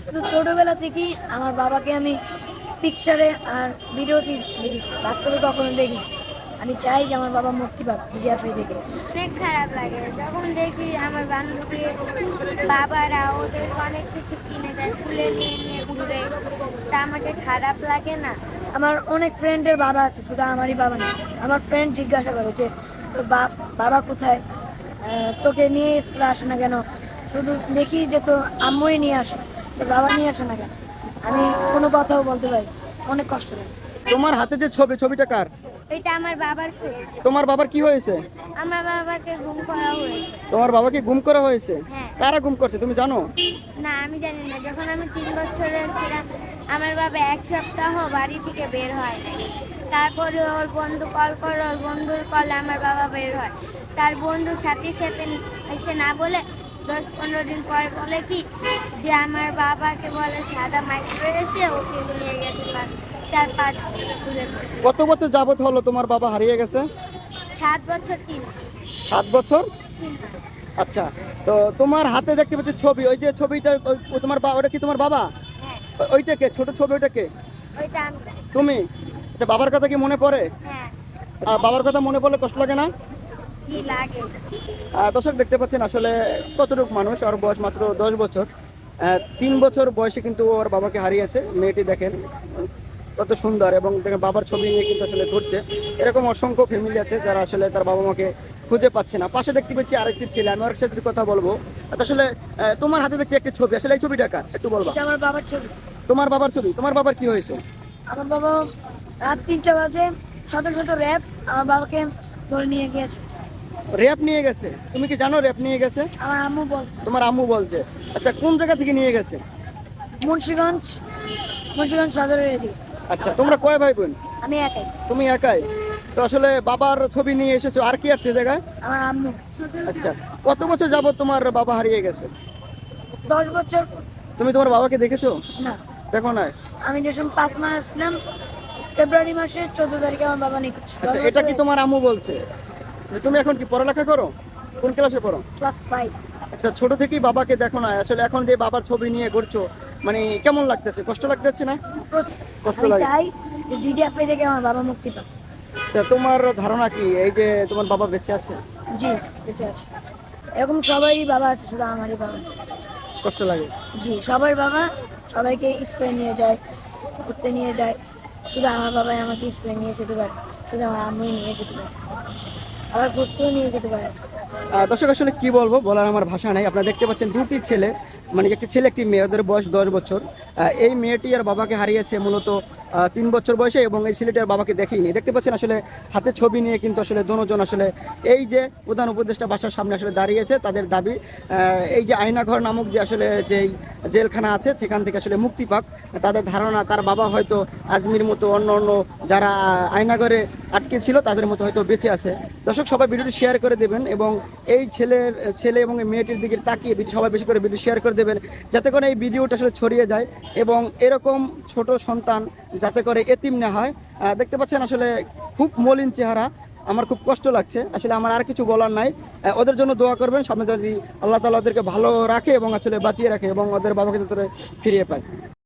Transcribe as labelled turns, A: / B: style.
A: শুধু ছোটবেলা থেকেই আমার বাবাকে আমি পিকচারে আর ভিডিওতে দেখেছি, বাস্তবে কখনো দেখি। আমি চাই যে আমার বাবা মুক্তি পাক বিজয়াফাই থেকে।
B: অনেক খারাপ লাগে যখন দেখি আমার বান্ধবী বাবারা ওদের অনেক কিছু কিনে দেয়, তুলে নিয়ে নিয়ে ঘুরে, তা আমাকে খারাপ লাগে না?
A: আমার অনেক ফ্রেন্ডের বাবা আছে, শুধু আমারই বাবা না। আমার ফ্রেন্ড জিজ্ঞাসা করে যে তোর বাবা কোথায়, তোকে নিয়ে স্কুলে আসে না কেন? শুধু দেখি যে তোর আম্মুই নিয়ে আসে, তোর বাবা নিয়ে আসে না কেন? আমি কোনো কথাও বলতে পারি, অনেক কষ্ট লাগে।
C: তোমার হাতে যে ছবিটা কার?
B: এটা আমার বাবার ছবি।
C: তোমার বাবার কি হয়েছে?
B: আমার বাবাকে গুম করা হয়েছে।
C: তোমার বাবাকে গুম করা হয়েছে?
B: হ্যাঁ।
C: কারা গুম করছে তুমি জানো?
B: না, আমি জানি না। যখন আমি 3 বছরের ছিলাম, আমার বাবা 1 সপ্তাহ বাড়ি থেকে বের হয় নাই। তারপরে ওর বন্ধু কল করে, ওর বন্ধুর কলে আমার বাবা বের হয়। তার বন্ধু সাথে সাথে এসে না বলে 10-15 দিন পর বলে কি যে আমার বাবাকে বলে সাদা মাইক্রো এসে ওকে নিয়ে গেছে, তার পা তুলে ধরে।
C: কত বছর যাবত হলো তোমার বাবা হারিয়ে গেছে?
B: 7 বছর
C: 7 বছর।
B: 3 মাস।
C: আচ্ছা, তো তোমার হাতে দেখতে পাচ্ছি ছবি, ওই যে ছবিটা তোমার ওটা কি তোমার বাবা?
B: হ্যাঁ,
C: ওইটাকে ছোট ছবি, ওইটাকে
B: ওইটা আমি।
C: তুমি? আচ্ছা, বাবার কথা কি মনে পড়ে?
B: হ্যাঁ,
C: বাবার কথা মনে পড়লে কষ্ট লাগে না?
B: কি লাগে?
C: দর্শক দেখতে পাচ্ছেন আসলে কতটুকু মানুষ, ওর বয়স মাত্র 10 বছর। 3 বছর বয়সে কিন্তু ওর বাবাকে হারিয়েছে। মেয়েটি দেখেন কত সুন্দর, এবং দেখেন বাবার ছবি নিয়ে কিন্তু আসলে ঘুরছে। এরকম অসংখ্য ফ্যামিলি আছে যারা আসলে তার বাবা মাকে খুঁজে পাচ্ছে না। পাশে দেখতে পাচ্ছি আরেকটি ছেলে, আমি ওর সাথে কথা বলবো। আসলে তোমার হাতে দেখছি একটি ছবি, আসলে এই ছবিটা কার একটু বলবা?
A: এটা আমার বাবার ছবি।
C: তোমার বাবার ছবি। তোমার বাবার কি হয়েছে?
A: আমার বাবা রাত 3টা বাজে শত শত র্যাব আমার বাবাকে ধরে নিয়ে গিয়েছে।
C: র্যাব নিয়ে গেছে? তুমি কি জানো র্যাব নিয়ে গেছে?
A: আমার আম্মু বলছে।
C: তোমার আম্মু বলছে? আচ্ছা, কোন জায়গা থেকে নিয়ে গেছে?
A: মুন্সিগঞ্জ, মুন্সিগঞ্জ সদরের এদিকে।
C: আচ্ছা, তোমরা কয় ভাই বোন?
A: আমি একাই।
C: তুমি একাই? তো আসলে বাবার ছবি নিয়ে এসেছো, আর কি আসছে জায়গায়?
A: আমার আম্মু।
C: আচ্ছা, কত বছর যাবত তোমার বাবা হারিয়ে গেছে?
A: 10 বছর।
C: তুমি তোমার বাবাকে দেখেছো?
A: না,
C: দেখো না?
A: আমি যখন 5 মাস আসলাম, ফেব্রুয়ারি মাসের 14 তারিখে আমার বাবা নিখোঁজ।
C: আচ্ছা, এটা কি তোমার আম্মু বলছে? যে তুমি এখন কি পড়ালেখা করো? কোন ক্লাসে পড়ো?
A: ক্লাস 5।
C: আচ্ছা, ছোট থেকেই বাবাকে দেখো না, আসলে এখন যে বাবার ছবি নিয়ে ঘুরছো, মানে কেমন লাগতেছে? কষ্ট লাগতেছে না? কষ্ট
A: আমি
C: লাগে।
A: চাই যে ডিডিএফআই থেকে আমার বাবা মুক্তি পাক।
C: আচ্ছা, তোমার ধারণা কি এই যে তোমার বাবা বেঁচে আছে?
A: জি, বেঁচে আছে। এরকম সবারই বাবা আছে, শুধু আমারই বাবা না।
C: কষ্ট লাগে?
A: জি, সবার বাবা সবাইকে স্কুলে নিয়ে যায়, ঘুরতে নিয়ে যায়। শুধু আমার বাবাই আমাকে স্কুলে নিয়ে যেতে পারে, শুধু আমার আম্মুই নিয়ে যেতে পারে, আবার ঘুরতেও নিয়ে যেতে পারে।
C: দর্শক আসলে কি বলবো, বলার আমার ভাষা নাই। আপনারা দেখতে পাচ্ছেন দুটি ছেলে, মানে একটি ছেলে একটি মেয়ে, ওদের বয়স 10 বছর। এই মেয়েটি আর বাবাকে হারিয়েছে মূলত 3 বছর বয়সে, এবং এই ছেলেটি আর বাবাকে দেখেইনি। দেখতে পাচ্ছেন আসলে হাতে ছবি নিয়ে কিন্তু আসলে দুজন আসলে এই যে প্রধান উপদেষ্টা বাসার সামনে আসলে দাঁড়িয়েছে। তাদের দাবি এই যে আয়নাঘর নামক যে আসলে যেই জেলখানা আছে সেখান থেকে আসলে মুক্তি পাক। তাদের ধারণা তার বাবা হয়তো আজমির মতো অন্য অন্য যারা আয়নাঘরে আটকে ছিল তাদের মতো হয়তো বেঁচে আছে। দর্শক সবাই ভিডিওটি শেয়ার করে দেবেন, এবং এই ছেলে এবং এই মেয়েটির দিকে তাকিয়ে সবাই বেশি করে ভিডিও শেয়ার করে দেবেন, যাতে করে এই ভিডিওটা আসলে ছড়িয়ে যায় এবং এরকম ছোট সন্তান যাতে করে এতিম না হয়। দেখতে পাচ্ছেন আসলে খুব মলিন চেহারা, আমার খুব কষ্ট লাগছে। আসলে আমার আর কিছু বলার নাই। ওদের জন্য দোয়া করবেন, সামনে যদি আল্লাহ তাআলা ওদেরকে ভালো রাখে এবং আসলে বাঁচিয়ে রাখে এবং ওদের বাবাকে যাতে ফিরিয়ে পায়।